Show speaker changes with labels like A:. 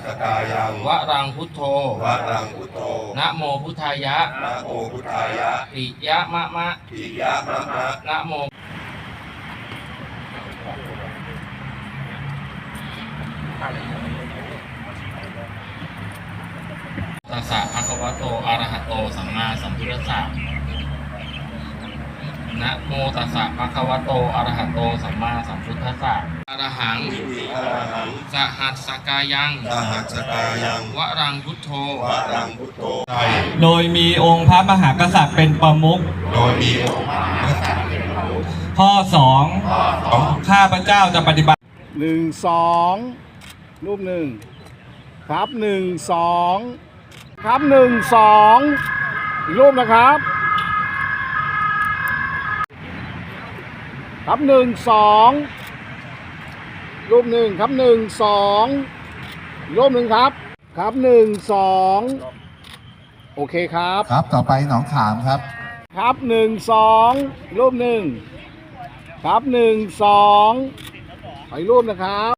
A: กายัง
B: วรังพุทโธ
A: วรังพุทโธ
B: นะโมพุทธายะ
A: นะโมพุทธายะ
B: ปิยะมะมะ
A: ปิยะมะมะ
B: นะโมตัสสะภะคะวะโตอะระหะโตสัมมาสัมพุทธัสสะนะโมตัสสะภะคะวะโตอะระหะโตสัมมาสัมพุทธัสสะอะระหัง
A: อิติอะระหัง
B: สหัสสกายัง
A: สหัสกายัง
B: วรังพุทโธ
A: วรังพุทโธ
C: โดยมีองค์พระมหากษัตริย์เป็นประมุข
A: โดยมีองค์พระมหากษัตริย์
C: ข้อ 2 ข้าพเจ้าจะปฏิบัติ
D: 1 2 รูปหนึ่งครับ1 2ครับ1 2อีกรูปนะครับครับ1 2รูปหนึ่งครับ1 2รูปหนึ่งครับครับ1 2โอเคครับ
E: ครับต่อไปหนองขามครับ
D: ครับ1 2รูปหนึ่งครับ1 2ขออีกรูปนะครับ